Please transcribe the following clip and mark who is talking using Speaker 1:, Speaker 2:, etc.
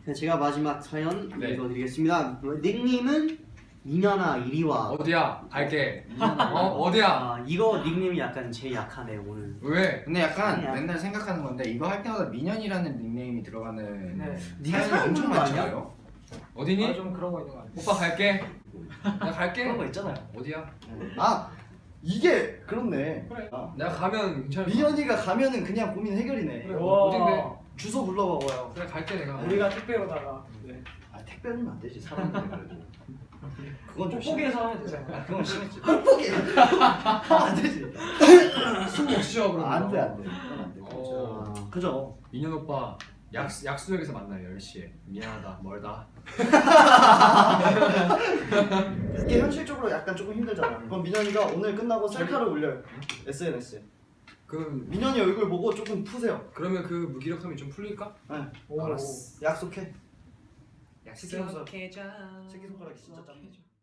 Speaker 1: 제가 마지막 사연
Speaker 2: 네.
Speaker 1: 읽어드리겠습니다. 닉님은 민현아 이리 와.
Speaker 2: 어디야? 갈게. 어디야?
Speaker 1: 아, 이거 닉님이 약간 제일 약하네 오늘.
Speaker 2: 왜?
Speaker 3: 근데 약간
Speaker 1: 아니야.
Speaker 3: 맨날 생각하는 건데 이거 할 때마다 민현이라는 닉네임이 들어가는
Speaker 4: 네.
Speaker 1: 네가
Speaker 3: 사연이
Speaker 1: 사연
Speaker 3: 엄청
Speaker 1: 준 거 아니야?
Speaker 3: 많잖아요.
Speaker 2: 어디니?
Speaker 4: 좀 그런 거 있는 거 같아.
Speaker 2: 오빠 갈게. 나 갈게.
Speaker 5: 그런 거 있잖아요.
Speaker 2: 어디야?
Speaker 5: 아 이게 그렇네.
Speaker 4: 그래.
Speaker 5: 아,
Speaker 2: 내가 가면 괜찮을 것
Speaker 5: 민현이가 가면은 그냥 고민 해결이네.
Speaker 4: 그래.
Speaker 2: 어딘데?
Speaker 5: 주소 불러봐봐요.
Speaker 2: 그래 갈게 내가.
Speaker 4: 우리가 택배로다가 네.
Speaker 5: 아 택배는 안 되지 사람들이 그래도. 그건 좀 심해.
Speaker 4: 뽁뽁이에서 하면 되잖아.
Speaker 5: 아, 그건 심했지. 뽁뽁이. 안 되지.
Speaker 2: 술 먹시죠 그러면.
Speaker 5: 안돼 안돼. 그건 안 돼.
Speaker 2: 어.
Speaker 5: 그죠.
Speaker 2: 민현 오빠 약수역에서 만나요 10시에. 미안하다 멀다.
Speaker 5: 이게 현실적으로 약간 조금 힘들잖아. 그럼 민현이가 오늘 끝나고 셀카를 올려요. SNS에.
Speaker 2: 그럼
Speaker 5: 민현이 얼굴 보고 조금 푸세요.
Speaker 2: 그러면 그 무기력함이 좀 풀릴까?
Speaker 5: 네.
Speaker 4: 오.
Speaker 5: 알았어. 약속해.
Speaker 2: 약속해줘.
Speaker 5: 새끼손가락이 진짜 짱이지.